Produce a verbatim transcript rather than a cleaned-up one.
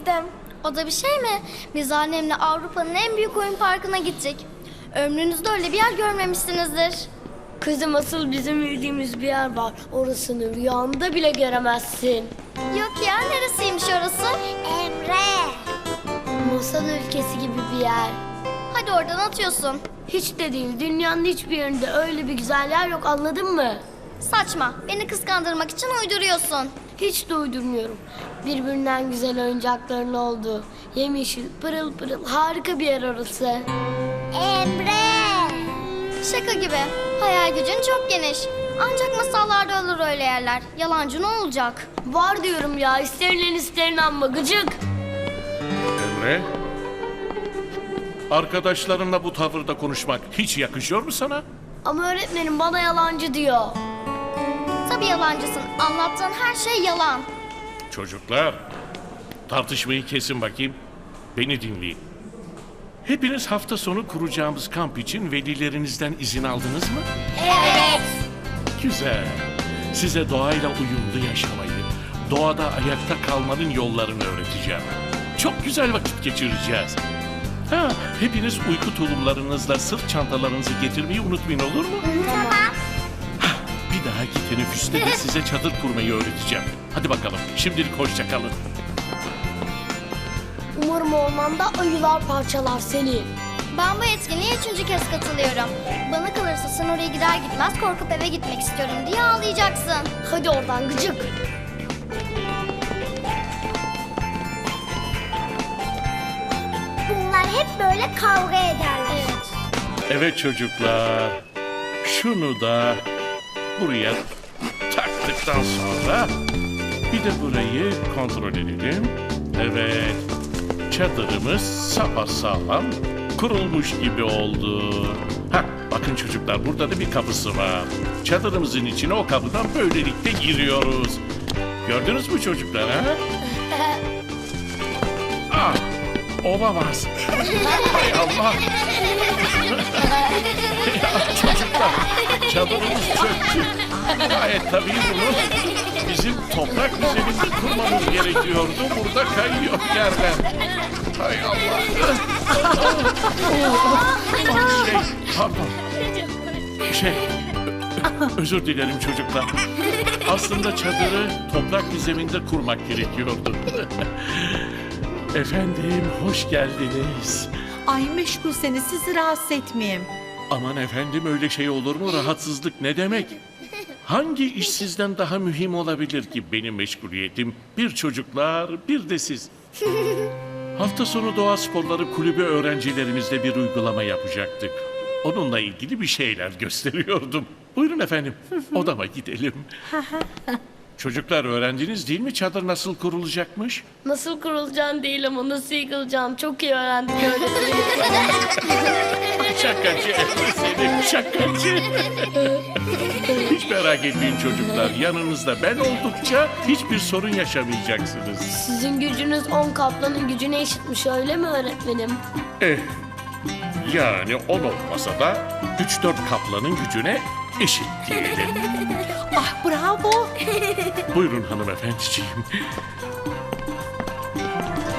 gittim. O da bir şey mi? Biz annemle Avrupa'nın en büyük oyun parkına gittik. Ömrünüzde öyle bir yer görmemişsinizdir. Kızım asıl bizim bildiğimiz bir yer var. Orasını rüyanda bile göremezsin. Yok ya, neresiymiş orası? Emre. Masal ülkesi gibi bir yer. Hadi oradan atıyorsun. Hiç de değil. Dünyanın hiçbir yerinde öyle bir güzel yer yok, anladın mı? Saçma, beni kıskandırmak için uyduruyorsun. Hiç de uydurmuyorum. Birbirinden güzel oyuncakların olduğu, yemyeşil, pırıl pırıl harika bir yer orası. Emre. Şaka gibi. Hayal gücün çok geniş. Ancak masallarda olur öyle yerler. Yalancı ne olacak? Var diyorum ya, isterilen isterin amma gıcık. Emre, arkadaşlarınla bu tavırda konuşmak hiç yakışıyor mu sana? Ama öğretmenim bana yalancı diyor. Tabii yalancısın. Anlattığın her şey yalan. Çocuklar, tartışmayı kesin bakayım. Beni dinleyin. Hepiniz hafta sonu kuracağımız kamp için velilerinizden izin aldınız mı? Evet. Güzel. Size doğayla uyumlu yaşamayı, doğada ayakta kalmanın yollarını öğreteceğim. Çok güzel vakit geçireceğiz. Ha, hepiniz uyku tulumlarınızla sırt çantalarınızı getirmeyi unutmayın, olur mu? Tamam. Bir dahaki teneffüste de size çadır kurmayı öğreteceğim. Hadi bakalım, şimdilik hoşça kalın. Umarım ormanda ayılar parçalar seni. Ben bu etkinliğe üçüncü kez katılıyorum. Bana kalırsa sen oraya gider gitmez korkup eve gitmek istiyorum diye ağlayacaksın. Hadi oradan gıcık. Bunlar hep böyle kavga ederler. Evet çocuklar, şunu da buraya taktıktan sonra bir de burayı kontrol edelim. Evet, çadırımız sapasağlam kurulmuş gibi oldu. Hah, bakın çocuklar, burada da bir kapısı var. Çadırımızın içine o kapıdan böylelikle giriyoruz. Gördünüz mü çocuklar, ha? Ah, olamaz. Hay Allah. Ya çocuklar, çadırımız çöktü. Gayet tabii bunu bizim toprak üzerinde kurmamız gerekiyordu. Burada kayıyor yerden. Hay Allah. Şey, pardon. Şey, ö- özür dilerim çocuklar. Aslında çadırı toprak bir zeminde kurmak gerekiyordu. Efendim, hoş geldiniz. Ay meşgulseniz sizi rahatsız etmeyeyim. Aman efendim, öyle şey olur mu? Rahatsızlık ne demek? Hangi iş sizden daha mühim olabilir ki benim meşguliyetim? Bir çocuklar, bir de siz. Hafta sonu Doğa Sporları Kulübü öğrencilerimizle bir uygulama yapacaktık. Onunla ilgili bir şeyler gösteriyordum. Buyurun efendim, odama gidelim. Çocuklar, öğrendiniz değil mi çadır nasıl kurulacakmış? Nasıl kurulacağını değil ama nasıl yıkılacağını çok iyi öğrendik öğretmenim. Şakacı Emre seni, şakacı. Hiç merak etmeyin çocuklar, yanınızda ben oldukça hiçbir sorun yaşamayacaksınız. Sizin gücünüz on kaplanın gücüne eşitmiş, öyle mi öğretmenim? Eh, yani on olmasa da üç dört kaplanın gücüne eşit diyelim. Ah bravo. Buyurun hanımefendiciğim.